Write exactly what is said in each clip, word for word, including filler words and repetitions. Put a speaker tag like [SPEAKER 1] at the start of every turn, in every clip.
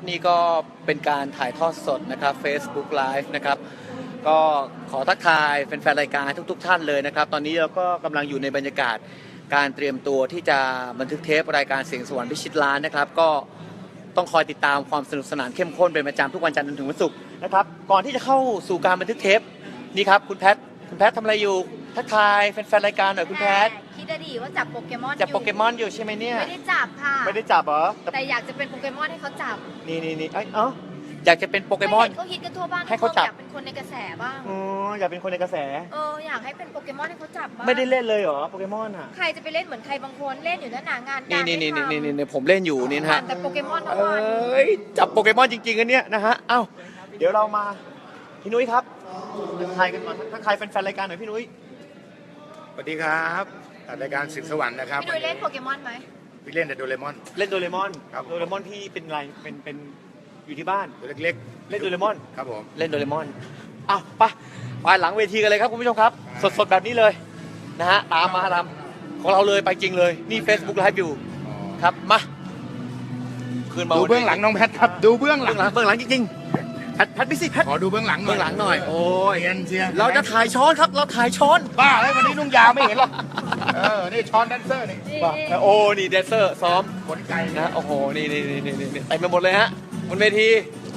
[SPEAKER 1] นี่ก็เป็นการถ่ายทอดสดนะครับ Facebook Live นะครับก็ขอทักทายแฟนๆรายการทุกๆท่านเลยนะครับตอนนี้เราก็กำลังอยู่ในบรรยากาศการเตรียมตัวที่จะบันทึกเทปรายการเสียงสวรรค์พิชิตล้านนะครับก็ต้องคอยติดตามความสนุกสนานเข้มข้นเป็นประจำทุกวันจันทร์จนถึงวันศุกร์นะครับก่อนที่จะเข้าสู่การบันทึกเทปนี่ครับคุณแพทคุณแพททำอะไรอยู่ทักทายแฟนๆรายการหน่อยคุณแพท
[SPEAKER 2] คิดดีว่าจับโปเกมอน
[SPEAKER 1] จับโปเกมอนอยู่ใช่ไหมเนี่ย
[SPEAKER 2] ไม่ได้จับค่ะ
[SPEAKER 1] ไม่ได้จับเหรอ
[SPEAKER 2] แต่อยากจะเป็นโปเกมอนให้เขาจับ
[SPEAKER 1] นี่นี่นี่เอ้าอยากจะเป็นโปเกมอน
[SPEAKER 2] เขาฮิตกันทั่วบ้าน
[SPEAKER 1] ให้เขาจับ
[SPEAKER 2] อยากเป็นคนในกระแสบ้าง
[SPEAKER 1] อ๋ออยากเป็นคนในกระแส
[SPEAKER 2] เอออยากให้เป็นโปเกมอนให้เขาจับบ้าง
[SPEAKER 1] ไม่ได้เล่นเลยเหรอโปเกมอนอ่ะ
[SPEAKER 2] ใครจะไปเล่นเหมือนใครบางคนเล่นอยู่นั่นหนางาน
[SPEAKER 1] นี่
[SPEAKER 2] การ
[SPEAKER 1] นี่นี่นี่นี่นี่ผมเล่นอยู่นี่นะฮะ
[SPEAKER 2] แต่โปเกมอนทั้ง
[SPEAKER 1] เอ
[SPEAKER 2] วัน้
[SPEAKER 1] ยจับโปเกมอนจริงๆกันเนี่ยนะฮะเอ้าเดี๋ยวเรามาพี่นุ้ยครับทักทายกันก่อนทักทายแฟนๆรายการหน่อยพี่นุ้ย
[SPEAKER 3] สวัสดีครับรายการสิงสวรรค์นะครับ
[SPEAKER 2] พี่นุ้ยเล่นโปเกมอนไหม
[SPEAKER 3] พี่เล่นแต่โดเรมอน
[SPEAKER 1] เล่นโดเรมอน
[SPEAKER 3] ครับ
[SPEAKER 1] โดเรมอนพี่เป็นอะไรเป็นเป็นอยู่ที่บ้าน
[SPEAKER 3] ตัวเล็ก
[SPEAKER 1] ๆเล่นโดเรมอน
[SPEAKER 3] ครับผม
[SPEAKER 1] เล่นโดเรมอนอ้าวไปไปหลังเวทีกันเลยครับคุณผู้ชมครับสดๆแบบนี้เลยนะฮะตามมาตามของเราเลยไปจริงเลยนี่ Facebook Live อยู่ครับมาคืนมา
[SPEAKER 3] ดูเบื้องหลังน้องแพทครับดูเบื้องหลั
[SPEAKER 1] เบื้อง งหลังเบื้องหลังจริงๆแพทแพทพิสิทธิ์แพท
[SPEAKER 3] ขอดูเบื้องหลังหน่อย
[SPEAKER 1] เบื้องหลังหน่อยโอ้ย
[SPEAKER 3] เรียนเชียร์
[SPEAKER 1] เราจะถ่ายช้อนครับเราถ่ายช้อน
[SPEAKER 3] บ้าเลยวันนี้นุ่งยาวไม่เห็นหรอกเออนี่ช้อนแดนเซอร์นี่
[SPEAKER 1] ว่าโอ้นี่แดนเซอร์ซ้อม
[SPEAKER 3] ขนไก่นะ
[SPEAKER 1] นะโอ้โหนี่นี่นี่นี่นี่เต็มไปหมดเลยฮะบนเวที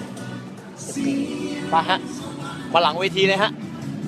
[SPEAKER 1] มาฮะมาหลังเวทีเลยฮะ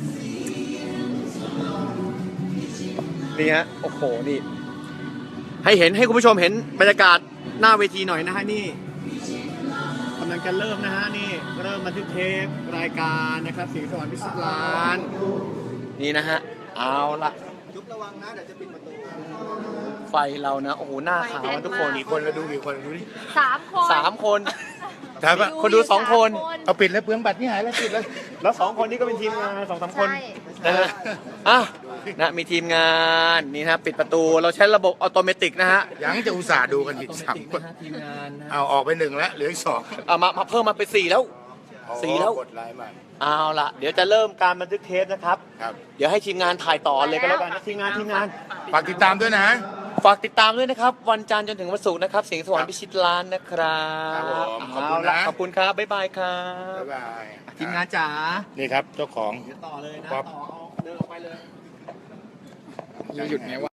[SPEAKER 1] นี่ฮะโอ้โหนี่ให้เห็นให้คุณผู้ชมเห็นบรรยากาศหน้าเวทีหน่อยนะฮะนี่กำลังจะเริ่มนะฮะนี่เริ่มบันทึกเทปรายการนะครับเสียงสวรรค์พิชิตล้านนี่นะฮะเอาละจุ๊บระวังนะเดี๋ยวจะปิดประตูไฟเรานะโอ้โหหน้าขาวทุกคน
[SPEAKER 3] กี่คนเราดูกี่คนดูดิ
[SPEAKER 2] สามคน
[SPEAKER 1] สามคน
[SPEAKER 3] ถามว่า
[SPEAKER 1] คนดูสองคน
[SPEAKER 3] เอาปิดแล้วเปลืองบัตรนี่หายแล้วปิดแล้ว
[SPEAKER 1] แล้วสองคนนี้ก็เป็นทีมงานสองสามคน
[SPEAKER 2] ใช่
[SPEAKER 1] นะฮะอ่ะนะมีทีมงานนี่นะปิดประตูเราใช้ระบบอัตโนมัตินะฮะ
[SPEAKER 3] ยังจะอุตส่าห์ดูกันอีกสามคน
[SPEAKER 1] ทีมงานนะ
[SPEAKER 3] เอาออกไปหนึ่งแล้วเหลืออีกสอง
[SPEAKER 1] เอามามาเพิ่มมาเป็นสี่แล้วสี่แล้ว
[SPEAKER 3] กดไลน์มา
[SPEAKER 1] เอาล่ะเดี๋ยวจะเริ่มการบันทึกเทปนะครับ
[SPEAKER 3] ครับ
[SPEAKER 1] เดี๋ยวให้ทีมงานถ่ายต่อเลยก็แล้วกันนะทีมงานทีมงาน
[SPEAKER 3] ฝากติดตามด้วยนะ
[SPEAKER 1] ฝากติดตามด้วยนะครับวันจันทร์จนถึงวันศุกร์นะครับเสียงสวรรค์พิชิตล้านนะครับ
[SPEAKER 3] ครับผมขอบคุณ
[SPEAKER 1] เาล่
[SPEAKER 3] นะ
[SPEAKER 1] ขอบคุณครับบ๊ายบายครับ
[SPEAKER 3] บ๊ายบาย
[SPEAKER 1] ทีมงานจ๋า
[SPEAKER 3] นี่ครับเจ้าของ
[SPEAKER 1] เดี๋ยวต่อเลยนะ
[SPEAKER 3] ครั
[SPEAKER 1] ต่อบ เอาเดินออกไปเลย
[SPEAKER 3] จะหยุดไงวะ